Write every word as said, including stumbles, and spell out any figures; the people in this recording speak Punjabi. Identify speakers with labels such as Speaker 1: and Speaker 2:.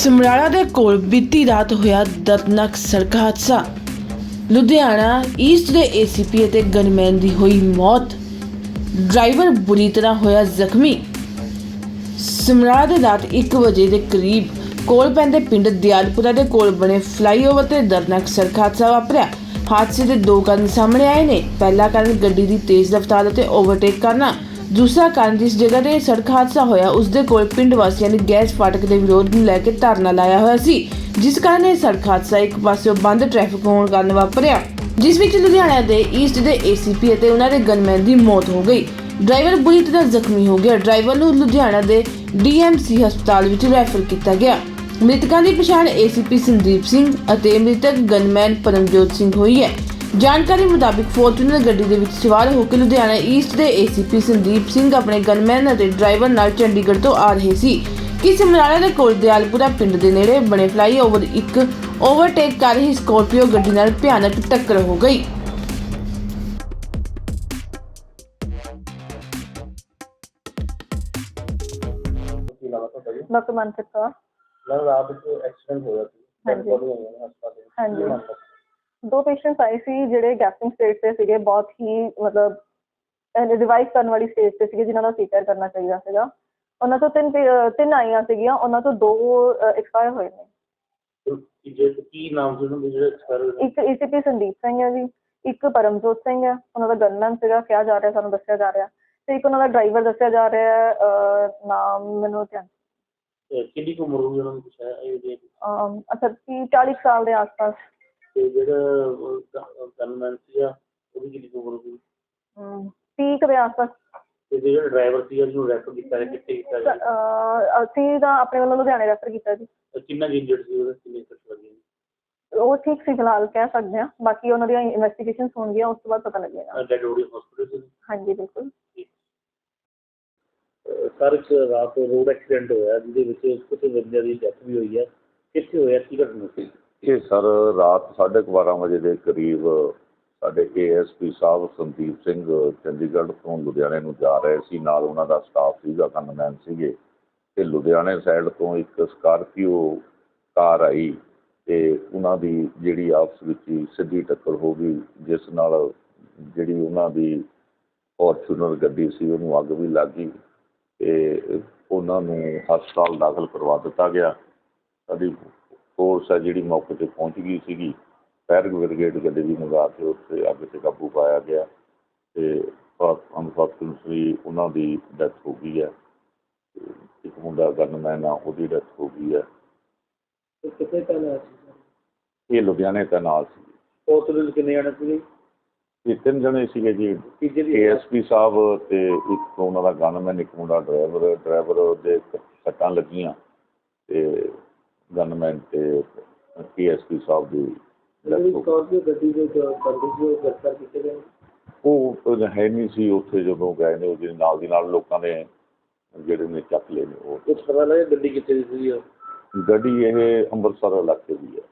Speaker 1: ਸਮਰਾਲਾ ਦੇ ਕੋਲ ਬੀਤੀ ਰਾਤ ਹੋਇਆ ਦਰਦਨਾਕ ਸੜਕ ਹਾਦਸਾ। ਲੁਧਿਆਣਾ ਈਸਟ ਦੇ ਏਸੀਪੀ ਅਤੇ ਗਨਮੈਨ ਦੀ ਹੋਈ ਮੌਤ। ਡਰਾਈਵਰ ਬੁਰੀ ਤਰ੍ਹਾਂ ਹੋਇਆ ਜ਼ਖਮੀ। ਸਮਰਾਲਾ ਦੇ ਰਾਤ ਇੱਕ ਵਜੇ ਦੇ ਕਰੀਬ ਕੋਲ ਪੈਂਦੇ ਪਿੰਡ ਦਿਆਲਪੁਰਾ ਦੇ ਕੋਲ ਬਣੇ ਫਲਾਈਓਵਰ ਤੇ ਦਰਦਨਾਕ ਸੜਕ ਹਾਦਸਾ ਵਾਪਰਿਆ। ਹਾਦਸੇ ਦੇ ਦੋ ਕਾਰਨ ਸਾਹਮਣੇ ਆਏ ਨੇ। ਪਹਿਲਾ ਕਾਰਨ ਗੱਡੀ ਦੀ ਤੇਜ਼ ਰਫ਼ਤਾਰ ਅਤੇ ਓਵਰਟੇਕ ਕਰਨਾ। दूसरा कारण जिस जगह ਤੇ सड़क हादसा होया उसके कोल पिंड वासियों ने गैस फाटक के विरोध ਨੂੰ ਲੈ ਕੇ ਧਰਨਾ ਲਾਇਆ ਹੋਇਆ ਸੀ, जिस कारण ਇਹ सड़क हादसा ਇੱਕ ਪਾਸਿਓਂ ਬੰਦ ਟ੍ਰੈਫਿਕ ਹੋਣ ਕਾਰਨ ਵਾਪਰਿਆ, ਜਿਸ ਵਿੱਚ ਲੁਧਿਆਣਾ ਦੇ ਈਸਟ ਦੇ ਏਸੀਪੀ ਅਤੇ ਉਹਨਾਂ ਦੇ ਗਨਮੈਨ ਦੀ ਮੌਤ ਹੋ ਗਈ। ਡਰਾਈਵਰ ਬੁਰੀ ਤਰ੍ਹਾਂ ਜ਼ਖਮੀ ਹੋ ਗਿਆ। ਡਰਾਈਵਰ ਨੂੰ ਲੁਧਿਆਣਾ ਦੇ ਡੀਐਮਸੀ ਹਸਪਤਾਲ ਵਿੱਚ ਰੈਫਰ ਕੀਤਾ ਗਿਆ। ਮ੍ਰਿਤਕਾਂ ਦੀ ਪਛਾਣ ਏਸੀਪੀ ਸੰਦੀਪ ਸਿੰਘ ਅਤੇ ਮ੍ਰਿਤਕ ਗਨਮੈਨ ਪਰਮਜੋਤ ਸਿੰਘ ਹੋਈ ਹੈ। ਜਾਣਕਾਰੀ ਮੁਤਾबिक ਫੋਰਚੂਨਰ ਗੱਡੀ ਦੇ ਵਿੱਚ ਸਵਾਰ ਹੋ ਕੇ ਲੁਧਿਆਣਾ ਈਸਟ ਦੇ ਏਸੀਪੀ ਸੰਦੀਪ ਸਿੰਘ ਆਪਣੇ ਗਨਮੈਨ ਅਤੇ ਡਰਾਈਵਰ ਨਾਲ ਚੰਡੀਗੜ੍ਹ ਤੋਂ ਆ ਰਹੇ ਸੀ ਕਿ ਸਮਰਾਲਾ ਦੇ ਕੋਲ ਦਿਆਲਪੁਰਾ ਪਿੰਡ ਦੇ ਨੇੜੇ ਬਣੇ ਫਲਾਈਓਵਰ ਇੱਕ ਓਵਰਟੇਕ ਕਰ ਰਹੀ ਸਕੋਰਪੀਓ ਗੱਡੀ ਨਾਲ ਭਿਆਨਕ ਟੱਕਰ ਹੋ ਗਈ।
Speaker 2: ਡਾਕਟਰ ਮਨਪ੍ਰੀਤ ਕੌਰ।
Speaker 3: मैम रात को एक्सीडेंट हो जाती
Speaker 2: हाँ जी। हाँ जी। दो पेशेंट्स आए सी ਜਿਹੜੇ ਗੈਸਟਿੰਗ ਸਟੇਜ ਤੇ ਸੀਗੇ, ਬਹੁਤ ਹੀ ਮਤਲਬ ਰਿਵਾਈਵ ਕਰਨ ਵਾਲੀ ਸਟੇਜ ਤੇ ਸੀਗੇ, ਜਿਨ੍ਹਾਂ ਦਾ ਸੀਕਰ ਕਰਨਾ ਚਾਹੀਦਾ ਸੀਗਾ। ਉਹਨਾਂ ਤੋਂ ਤਿੰਨ ਤਿੰਨ ਆਈਆਂ ਸੀਗੀਆਂ, ਉਹਨਾਂ ਤੋਂ ਦੋ ਐਕਸਪਾਇਰ ਹੋਏ ਨੇ।
Speaker 3: ਕੀ ਨਾਮ ਸੀ ਉਹਨਾਂ ਦੇ ਜਿਹੜੇ ਐਕਸਪਾਇਰ ਹੋਏ? ਇੱਕ
Speaker 2: ਏਸੀਪੀ ਸੰਦੀਪ ਸਿੰਘ ਹੈ ਜੀ, ਇੱਕ ਪਰਮਜੋਤ ਸਿੰਘ ਹੈ, ਉਹਨਾਂ ਦਾ ਗਨਮੈਨ ਸੀਗਾ ਕਿਹਾ ਜਾ ਰਿਹਾ, ਸਾਨੂੰ ਦੱਸਿਆ ਜਾ ਰਿਹਾ, ਤੇ ਇੱਕ ਉਹਨਾਂ ਦਾ ਡਰਾਈਵਰ ਦੱਸਿਆ ਜਾ ਰਿਹਾ ਹੈ, ਨਾਮ ਮੈਨੂੰ ਧਿਆਨ।
Speaker 3: ਕਿੰਨੀ ਕੁ ਉਮਰ ਹੋਈ ਉਹਨਾਂ ਦੀ ਪੁੱਛਿਆ ਇਹ?
Speaker 2: ਅੱਛਾ ਤੀਹ ਚਾਲੀ ਸਾਲ ਦੇ ਆਸ-ਪਾਸ।
Speaker 3: ਤੇ ਜਿਹੜਾ ਗਨਮੈਨ ਸੀਗਾ ਉਹਦੀ ਕਿੰਨੀ ਕੁ ਉਮਰ ਹੋਈ?
Speaker 2: ਤੀਹ ਕੁ ਦੇ ਆਸ-ਪਾਸ।
Speaker 3: ਤੇ ਜਿਹੜਾ ਡਰਾਈਵਰ ਸੀਗਾ ਜਿਹਨੂੰ ਰੈਫਰ ਕੀਤਾ ਹੈ, ਕਿੱਥੇ ਕੀਤਾ ਜੀ?
Speaker 2: ਅਸੀਂ ਤਾਂ ਆਪਣੇ ਵੱਲੋਂ ਲੁਧਿਆਣੇ ਰੈਫਰ ਕੀਤਾ ਜੀ।
Speaker 3: ਕਿੰਨਾ ਇੰਜਰਡ ਸੀ ਉਹਦਾ, ਕਿੰਨੇ ਸੱਟ ਲੱਗੀ?
Speaker 2: ਉਹ ਠੀਕ ਸੀ ਫਿਲਹਾਲ, ਕਹਿ ਸਕਦੇ ਹਾਂ। ਬਾਕੀ ਉਹਨਾਂ ਦੀਆਂ ਇਨਵੈਸਟੀਗੇਸ਼ਨਸ ਹੋਣਗੀਆਂ, ਉਸ ਤੋਂ ਬਾਅਦ ਪਤਾ ਲੱਗੇਗਾ।
Speaker 3: ਡੈਡ ਬੋਡੀ ਹਸਪੀਟਲ ਸੀ?
Speaker 2: ਹਾਂਜੀ ਬਿਲਕੁਲ।
Speaker 3: ਸਰ ਇੱਕ ਰਾਤ ਰੋਡ ਐਕਸੀਡੈਂਟ ਹੋਇਆ ਜਿਹਦੇ ਵਿੱਚ ਕੁਝ ਬੰਦਿਆਂ ਦੀ ਡੈਥ ਵੀ ਹੋਈ ਹੈ, ਕਿੱਥੇ ਹੋਇਆ, ਕੀ ਘਟਨਾ ਸੀ?
Speaker 4: ਇਹ ਸਰ ਰਾਤ ਸਾਢੇ ਕੁ ਬਾਰਾਂ ਵਜੇ ਦੇ ਕਰੀਬ ਸਾਡੇ ਏ ਐਸ ਪੀ ਸਾਹਿਬ ਸੰਦੀਪ ਸਿੰਘ ਚੰਡੀਗੜ੍ਹ ਤੋਂ ਲੁਧਿਆਣੇ ਨੂੰ ਜਾ ਰਹੇ ਸੀ, ਨਾਲ ਉਹਨਾਂ ਦਾ ਸਟਾਫ ਸੀਗਾ, ਗਨਮੈਨ ਸੀਗੇ, ਅਤੇ ਲੁਧਿਆਣੇ ਸਾਈਡ ਤੋਂ ਇੱਕ ਸਕਾਰਪੀਓ ਕਾਰ ਆਈ ਅਤੇ ਉਹਨਾਂ ਦੀ ਜਿਹੜੀ ਆਪਸ ਵਿੱਚ ਹੀ ਸਿੱਧੀ ਟੱਕਰ ਹੋ ਗਈ, ਜਿਸ ਨਾਲ ਜਿਹੜੀ ਉਹਨਾਂ ਦੀ ਫੋਰਚੂਨਰ ਗੱਡੀ ਸੀ ਉਹਨੂੰ ਅੱਗ ਵੀ ਲੱਗ ਗਈ ਅਤੇ ਉਹਨਾਂ ਨੂੰ ਹਸਪਤਾਲ ਦਾਖਲ ਕਰਵਾ ਦਿੱਤਾ ਗਿਆ। ਸਾਡੀ ਫੋਰਸ ਹੈ ਜਿਹੜੀ ਮੌਕੇ 'ਤੇ ਪਹੁੰਚ ਗਈ ਸੀਗੀ, ਫਾਇਰ ਬ੍ਰਿਗੇਡ ਗੱਡੀ ਵੀ ਮੰਗਾ ਕੇ ਉੱਥੇ ਅੱਗ 'ਤੇ ਕਾਬੂ ਪਾਇਆ ਗਿਆ ਅਤੇ ਅਨਫੋਰਚੂਨੇਟਲੀ ਉਹਨਾਂ ਦੀ ਡੈਥ ਹੋ ਗਈ ਹੈ। ਇੱਕ ਮੁੰਡਾ ਗਨਮੈਨ ਆ, ਉਹਦੀ ਡੈਥ ਹੋ ਗਈ ਹੈ।
Speaker 3: ਕਿੱਥੇ ਤੈਨਾਤ ਸੀ?
Speaker 4: ਇਹ ਲੁਧਿਆਣੇ ਤੈਨਾਤ ਸੀ।
Speaker 3: ਹਸਪਤਾਲ ਕਿੰਨੇ ਜਾਣੇ ਸੀਗੇ?
Speaker 4: ਇਹ ਤਿੰਨ ਜਣੇ ਸੀਗੇ ਜੀ, ਏ ਐਸ ਪੀ ਸਾਹਿਬ ਅਤੇ ਇੱਕ ਉਹਨਾਂ ਦਾ ਗਨਮੈਨ, ਇੱਕ ਮੁੰਡਾ ਡਰਾਈਵਰ। ਡਰਾਈਵਰ ਦੇ ਸੱਟਾਂ ਲੱਗੀਆਂ ਅਤੇ ਗਨਮੈਨ ਅਤੇ ਏ ਐਸ ਪੀ ਸਾਹਿਬ ਦੀ
Speaker 3: ਗੱਡੀ ਦੇ ਗ੍ਰਿਫਤਾਰ ਕੀਤੇ ਗਏ?
Speaker 4: ਉਹ ਹੈ ਨਹੀਂ ਸੀ ਉੱਥੇ ਜਦੋਂ ਗਏ ਨੇ, ਉਹਦੇ ਨਾਲ ਦੀ ਨਾਲ ਲੋਕਾਂ ਨੇ ਜਿਹੜੇ ਨੇ ਚੱਕ ਲਏ ਨੇ। ਉਹ
Speaker 3: ਕੁਛ ਪਤਾ ਲੱਗਿਆ ਗੱਡੀ ਕਿੱਥੇ ਦੀ ਸੀ?
Speaker 4: ਗੱਡੀ ਇਹ ਅੰਮ੍ਰਿਤਸਰ ਇਲਾਕੇ ਦੀ ਹੈ।